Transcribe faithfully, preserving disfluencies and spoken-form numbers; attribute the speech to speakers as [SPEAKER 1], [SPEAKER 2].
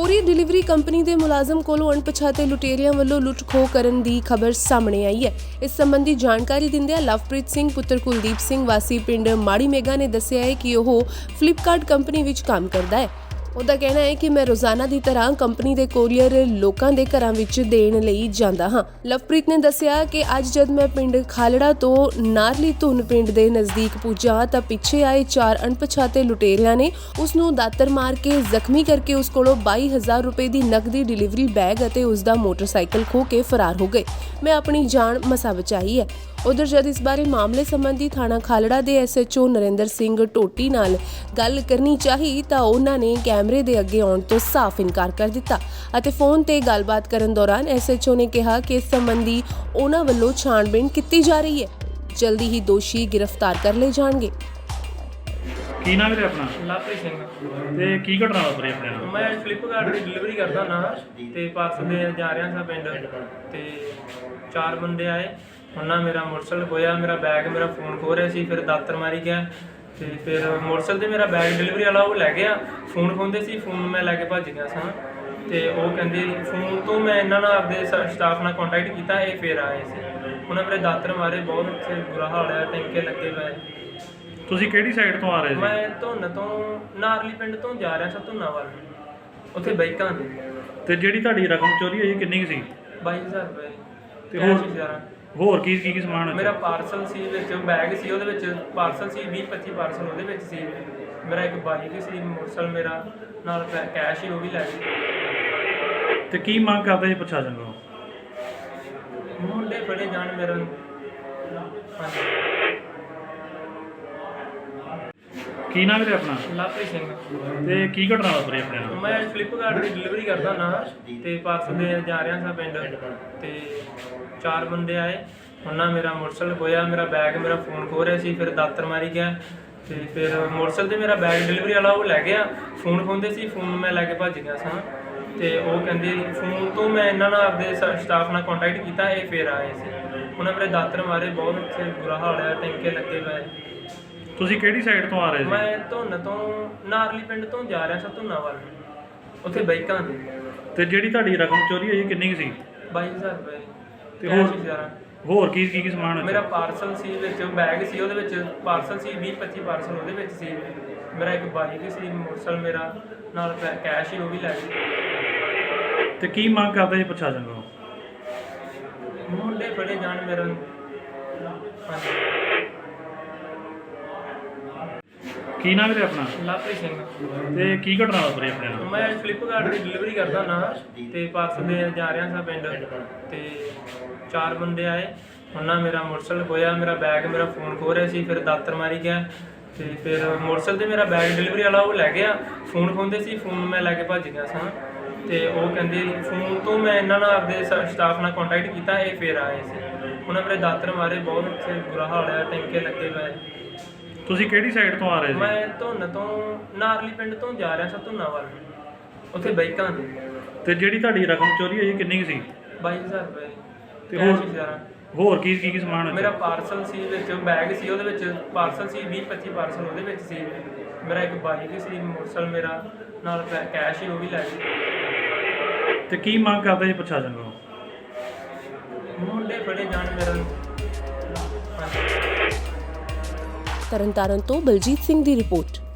[SPEAKER 1] Courier delivery company ਦੇ ਮੁਲਾਜ਼ਮ ਕੋਲੋਂ ਅਣਪਛਾਤੇ ਲੁਟੇਰਿਆਂ ਵੱਲੋਂ ਲੁੱਟ ਖੋਹ ਕਰਨ ਦੀ ਖਬਰ ਸਾਹਮਣੇ ਆਈ ਹੈ। ਇਸ ਸੰਬੰਧੀ ਜਾਣਕਾਰੀ ਦਿੰਦਿਆਂ ਲਵਪ੍ਰੀਤ ਸਿੰਘ ਪੁੱਤਰ ਕੁਲਦੀਪ ਸਿੰਘ ਵਾਸੀ ਪਿੰਡ ਮਾੜੀ ਮੇਗਾ ਨੇ ਦੱਸਿਆ ਹੈ ਕਿ ਉਹ ਫਲਿੱਪਕਾਰਟ ਕੰਪਨੀ ਵਿੱਚ ਕੰਮ ਕਰਦਾ ਹੈ। ਉਹਦਾ ਕਹਿਣਾ ਹੈ ਕਿ ਮੈਂ ਰੋਜ਼ਾਨਾ ਦੀ ਤਰ੍ਹਾਂ ਕੰਪਨੀ ਦੇ ਕੋਰੀਅਰ ਲੋਕਾਂ ਦੇ ਘਰਾਂ ਵਿੱਚ ਦੇਣ ਲਈ ਜਾਂਦਾ ਹਾਂ। ਲਵਪ੍ਰੀਤ ਨੇ ਦੱਸਿਆ ਕਿ ਅੱਜ ਜਦ ਮੈਂ ਪਿੰਡ ਖਾਲੜਾ ਤੋਂ ਨਾਰਲੀ ਧੁਨ ਪਿੰਡ ਦੇ ਨਜ਼ਦੀਕ ਪੁੱਜਾ ਤਾਂ ਪਿੱਛੇ ਆਏ ਚਾਰ ਅਣਪਛਾਤੇ ਲੁਟੇਰਿਆਂ ਨੇ ਉਸ ਨੂੰ ਦਾਤਰ ਮਾਰ ਕੇ ਜ਼ਖਮੀ ਕਰਕੇ ਉਸ ਕੋਲੋਂ ਬਾਈ ਹਜ਼ਾਰ ਰੁਪਏ ਦੀ ਨਕਦੀ ਡਿਲੀਵਰੀ ਬੈਗ ਅਤੇ ਉਸ ਦਾ ਮੋਟਰਸਾਈਕਲ ਖੋਹ ਕੇ ਫਰਾਰ ਹੋ ਗਏ। ਮੈਂ ਆਪਣੀ ਜਾਨ ਮਸਾਂ ਬਚਾਈ ਹੈ। ਉਧਰ ਜਦ ਇਸ ਬਾਰੇ ਮਾਮਲੇ ਸੰਬੰਧੀ ਥਾਣਾ ਖਾਲੜਾ ਦੇ S H O Narinder Singh ਟੋਟੀ ਨਾਲ ਗੱਲ ਕਰਨੀ ਚਾਹੀ ਤਾਂ ਉਹਨਾਂ ਨੇ ਕੈਮਰੇ ਦੇ ਅੱਗੇ ਆਉਣ ਤੋਂ ਸਾਫ਼ ਇਨਕਾਰ ਕਰ ਦਿੱਤਾ ਅਤੇ ਫੋਨ ਤੇ ਗੱਲਬਾਤ ਕਰਨ ਦੌਰਾਨ ਐਸ ਐਚ ਓ ਨੇ ਕਿਹਾ ਕਿ ਇਸ ਸੰਬੰਧੀ ਉਹਨਾਂ ਵੱਲੋਂ ਛਾਣਬੀਣ ਕੀਤੀ ਜਾ ਰਹੀ ਹੈ। ਜਲਦੀ ਹੀ ਦੋਸ਼ੀ ਗ੍ਰਿਫਤਾਰ ਕਰ ਲਏ ਜਾਣਗੇ।
[SPEAKER 2] ਕੀ ਨਾਮ ਹੈ ਆਪਣਾ?
[SPEAKER 3] ਲਵਪ੍ਰੀਤ ਸਿੰਘ।
[SPEAKER 2] ਤੇ ਕੀ ਘਟਨਾ ਵਾਪਰੀ ਆਪਣੇ ਨਾਲ?
[SPEAKER 3] ਮੈਂ ਫਲਿੱਪਕਾਰਟ ਦੀ ਡਿਲੀਵਰੀ ਕਰਦਾ ਨਾ ਤੇ ਪਾਰਸਲ ਦੇ ਜਾ ਰਿਹਾ ਸਾਂ ਪਿੰਡ ਤੇ ਚਾਰ ਬੰਦੇ ਆਏ। ਉਹਨਾਂ ਮੇਰਾ ਮੋਟਰਸਾਈਕਲ ਖੋਇਆ, ਮੇਰਾ ਬੈਗ ਮੇਰਾ ਫੋਨ ਖੋਹ ਰਿਹਾ ਸੀ, ਫਿਰ ਦਾਤਰ ਮਾਰੀ ਗਿਆ ਤੇ ਫਿਰ ਮੋਟਰਸਾਈਕਲ ਤੇ ਮੇਰਾ ਬੈਗ ਡਿਲੀਵਰੀ ਵਾਲਾ ਉਹ ਲੈ ਗਿਆ। ਫੋਨ ਖੋਹਦੇ ਸੀ, ਫੋਨ ਮੈਂ ਲੈ ਕੇ ਭੱਜ ਗਿਆ ਸਾਂ ਤੇ ਉਹ ਕਹਿੰਦੇ ਫੋਨ ਤੋਂ ਮੈਂ ਇਹਨਾਂ ਨਾਲ ਆਪਦੇ ਸਟਾਫ ਨਾਲ ਕੰਟੈਕਟ ਕੀਤਾ, ਇਹ ਫਿਰ ਆਏ ਸੀ। ਉਹਨਾਂ ਮੇਰੇ ਦਾਤਰ ਮਾਰੇ, ਬਹੁਤ ਉੱਥੇ ਬੁਰਾ ਹਾਲ ਹੈ, ਟੈਂਕੇ ਲੱਗੇ ਪਏ।
[SPEAKER 2] ਤੁਸੀਂ ਕਿਹੜੀ ਸਾਈਡ ਤੋਂ ਆ ਰਹੇ ਸੀ?
[SPEAKER 3] ਮੈਂ ਧੁੰਨ ਤੋਂ ਨਾਰਲੀ ਪਿੰਡ ਤੋਂ ਜਾ ਰਿਹਾ ਸਾਂ ਧੁੰਨਾ ਵੱਲ, ਉੱਥੇ ਬਾਈਕਾਂ ਦੇ।
[SPEAKER 2] ਤੇ ਜਿਹੜੀ ਤੁਹਾਡੀ ਰਕਮ ਚੋਰੀ ਹੋਈ ਕਿੰਨੀ ਕੁ ਸੀ?
[SPEAKER 3] ਬਾਈ ਹਜ਼ਾਰ ਰੁਪਏ
[SPEAKER 2] ਤੇ
[SPEAKER 3] ਕੈਸ਼
[SPEAKER 2] ਹੋਰ
[SPEAKER 3] ਹਜ਼ਾਰ।
[SPEAKER 2] ਹੋਰ ਕੀ ਕੀ ਕੀ ਸਮਾਨ?
[SPEAKER 3] ਮੇਰਾ ਪਾਰਸਲ ਸੀ ਵਿੱਚ, ਬੈਗ ਸੀ ਉਹਦੇ ਵਿੱਚ, ਪਾਰਸਲ ਸੀ ਵੀਹ ਪੱਚੀ ਪਾਰਸਲ ਉਹਦੇ ਵਿੱਚ ਸੀ। ਮੇਰਾ ਇੱਕ ਬਾਈਕ ਸੀ, ਮੋਟਰਸਾਈਕਲ ਮੇਰਾ ਨਾਲ ਕੈਸ਼ ਹੀ ਉਹ ਵੀ ਲੈ ਗਏ।
[SPEAKER 2] ਤੇ ਕੀ ਮੰਗ ਕਰਦੇ ਜੀ ਪ੍ਰਸ਼ਾਸਨ ਕੋਲੋਂ?
[SPEAKER 3] ਮੁੰਡੇ ਫੜੇ ਜਾਣ ਮੇਰਾ। ਹਾਂਜੀ।
[SPEAKER 2] ਕੀ ਨਾਮ ਹੈ ਆਪਣਾ?
[SPEAKER 3] ਲਵਪ੍ਰੀਤ ਸਿੰਘ।
[SPEAKER 2] ਤੇ ਕੀ ਘਟਨਾ ਵਾਪਰੀ ਆਪਣੇ ਨਾਲ?
[SPEAKER 3] ਮੈਂ ਫਲਿੱਪਕਾਰਟ ਦੀ ਡਿਲੀਵਰੀ ਕਰਦਾ ਨਾ ਤੇ ਪਾਰਸਲ ਦੇ ਜਾ ਰਿਹਾ ਸਾਂ ਪਿੰਡ ਤੇ ਚਾਰ ਬੰਦੇ ਆਏ। ਉਹਨਾਂ ਮੇਰਾ ਮੋਟਰਸਾਈਕਲ ਖੋਇਆ, ਮੇਰਾ ਬੈਗ ਮੇਰਾ ਫੋਨ ਖੋਹ ਰਿਹਾ ਸੀ, ਫਿਰ ਦਾਤਰ ਮਾਰੀ ਗਿਆ ਤੇ ਫਿਰ ਮੋਟਰਸਾਈਕਲ ਤੇ ਮੇਰਾ ਬੈਗ ਡਿਲੀਵਰੀ ਵਾਲਾ ਉਹ ਲੈ ਗਿਆ। ਫੋਨ ਖੋਹਦੇ ਸੀ, ਫੋਨ ਮੈਂ ਲੈ ਕੇ ਭੱਜ ਗਿਆ ਸਾਂ ਤੇ ਉਹ ਕਹਿੰਦੇ ਫੋਨ ਤੋਂ ਮੈਂ ਇਹਨਾਂ ਨਾਲ ਆਪਦੇ ਸਟਾਫ ਨਾਲ ਕੰਟੈਕਟ ਕੀਤਾ, ਇਹ ਫਿਰ ਆਏ ਸੀ। ਉਹਨਾਂ ਮੇਰੇ ਦਾਤਰ ਮਾਰੇ, ਬਹੁਤ ਉੱਥੇ ਬੁਰਾ ਹਾਲ ਹੈ, ਟੈਂਕੇ ਲੱਗੇ ਪਏ।
[SPEAKER 2] ਤੁਸੀਂ ਕਿਹੜੀ ਸਾਈਡ ਤੋਂ ਆ ਰਹੇ ਸੀ?
[SPEAKER 3] ਮੈਂ ਧੁੰਨ ਤੋਂ ਨਾਰਲੀ ਪਿੰਡ ਤੋਂ ਜਾ ਰਿਹਾ ਸਾਂ ਧੁੰਨਾ ਵੱਲ, ਉੱਥੇ ਬਾਈਕਾਂ ਦੇ।
[SPEAKER 2] ਤੇ ਜਿਹੜੀ ਤੁਹਾਡੀ ਰਕਮ ਚੋਰੀ ਹੋਈ ਕਿੰਨੀ ਕੁ ਸੀ?
[SPEAKER 3] ਬਾਈ ਹਜ਼ਾਰ ਰੁਪਏ
[SPEAKER 2] ਤੇ
[SPEAKER 3] ਕੈਸ਼
[SPEAKER 2] ਹੋਰ
[SPEAKER 3] ਹਜ਼ਾਰ।
[SPEAKER 2] ਹੋਰ ਕੀ ਕੀ ਕੀ ਸਮਾਨ?
[SPEAKER 3] ਮੇਰਾ ਪਾਰਸਲ ਸੀ ਵਿੱਚ, ਬੈਗ ਸੀ ਉਹਦੇ ਵਿੱਚ, ਪਾਰਸਲ ਸੀ ਵੀਹ ਪੱਚੀ ਪਾਰਸਲ ਉਹਦੇ ਵਿੱਚ ਸੀ। ਮੇਰਾ ਇੱਕ ਬਾਈਕ ਸੀ, ਮੋਟਰਸਾਈਕਲ ਮੇਰਾ ਨਾਲ ਕੈਸ਼ ਹੀ ਉਹ ਵੀ ਲੈ ਗਏ।
[SPEAKER 2] ਤੇ ਕੀ ਮੰਗ ਕਰਦੇ ਜੀ ਪ੍ਰਸ਼ਾਸਨ ਕੋਲੋਂ?
[SPEAKER 3] ਮੁੰਡੇ ਫੜੇ ਜਾਣ ਮੇਰਾ। ਹਾਂਜੀ।
[SPEAKER 2] ਕੀ ਨਾਮ ਹੈ ਆਪਣਾ?
[SPEAKER 3] ਲਵਪ੍ਰੀਤ ਸਿੰਘ।
[SPEAKER 2] ਤੇ ਕੀ ਘਟਨਾ ਵਾਪਰੀ ਆਪਣੇ ਨਾਲ?
[SPEAKER 3] ਮੈਂ ਫਲਿੱਪਕਾਰਟ ਦੀ ਡਿਲੀਵਰੀ ਕਰਦਾ ਨਾ ਤੇ ਪਾਰਸਲ ਦੇ ਜਾ ਰਿਹਾ ਸਾਂ ਪਿੰਡ ਤੇ ਚਾਰ ਬੰਦੇ ਆਏ। ਉਹਨਾਂ ਮੇਰਾ ਮੋਟਰਸਾਈਕਲ ਖੋਇਆ, ਮੇਰਾ ਬੈਗ ਮੇਰਾ ਫੋਨ ਖੋਹ ਰਿਹਾ ਸੀ, ਫਿਰ ਦਾਤਰ ਮਾਰੀ ਗਿਆ ਤੇ ਫਿਰ ਮੋਟਰਸਾਈਕਲ ਤੇ ਮੇਰਾ ਬੈਗ ਡਿਲੀਵਰੀ ਵਾਲਾ ਉਹ ਲੈ ਗਿਆ। ਫੋਨ ਖੋਹਦੇ ਸੀ, ਫੋਨ ਮੈਂ ਲੈ ਕੇ ਭੱਜ ਗਿਆ ਸਾਂ ਤੇ ਉਹ ਕਹਿੰਦੇ ਫੋਨ ਤੋਂ ਮੈਂ ਇਹਨਾਂ ਨਾਲ ਆਪਦੇ ਸਟਾਫ ਨਾਲ ਕੰਟੈਕਟ ਕੀਤਾ, ਇਹ ਫਿਰ ਆਏ ਸੀ। ਉਹਨਾਂ ਮੇਰੇ ਦਾਤਰ ਮਾਰੇ, ਬਹੁਤ ਉੱਥੇ ਬੁਰਾ ਹਾਲ ਹੈ, ਟੈਂਕੇ ਲੱਗੇ ਪਏ।
[SPEAKER 2] ਤੁਸੀਂ ਕਿਹੜੀ ਸਾਈਡ ਤੋਂ ਆ ਰਹੇ ਸੀ?
[SPEAKER 3] ਮੈਂ ਧੁੰਨ ਤੋਂ ਨਾਰਲੀ ਪਿੰਡ ਤੋਂ ਜਾ ਰਿਹਾ ਸਾਂ ਧੁੰਨਾ ਵੱਲ, ਉੱਥੇ ਬਾਈਕਾਂ ਦੇ।
[SPEAKER 2] ਤੇ ਜਿਹੜੀ ਤੁਹਾਡੀ ਰਕਮ ਚੋਰੀ ਹੋਈ ਕਿੰਨੀ ਕੁ ਸੀ?
[SPEAKER 3] ਬਾਈ ਹਜ਼ਾਰ ਰੁਪਏ
[SPEAKER 2] ਤੇ
[SPEAKER 3] ਕੈਸ਼
[SPEAKER 2] ਹੋਰ
[SPEAKER 3] ਹਜ਼ਾਰ।
[SPEAKER 2] ਹੋਰ ਕੀ ਕੀ ਕੀ ਸਮਾਨ?
[SPEAKER 3] ਮੇਰਾ ਪਾਰਸਲ ਸੀ ਵਿੱਚ, ਬੈਗ ਸੀ ਉਹਦੇ ਵਿੱਚ, ਪਾਰਸਲ ਸੀ ਵੀਹ ਪੱਚੀ ਪਾਰਸਲ ਉਹਦੇ ਵਿੱਚ ਸੀ। ਮੇਰਾ ਇੱਕ ਬਾਈਕ ਸੀ, ਮੋਟਰਸਾਈਕਲ ਮੇਰਾ ਨਾਲ ਕੈਸ਼ ਹੀ ਉਹ ਵੀ ਲੈ ਗਏ।
[SPEAKER 2] ਤੇ ਕੀ ਮੰਗ ਕਰਦੇ ਜੀ ਪ੍ਰਸ਼ਾਸਨ ਕੋਲੋਂ?
[SPEAKER 3] ਮੁੰਡੇ ਫੜੇ ਜਾਣ ਮੇਰਾ। ਹਾਂਜੀ।
[SPEAKER 1] ਤਰਨਤਾਰਨ ਤੋਂ ਬਲਜੀਤ ਸਿੰਘ ਦੀ ਰਿਪੋਰਟ।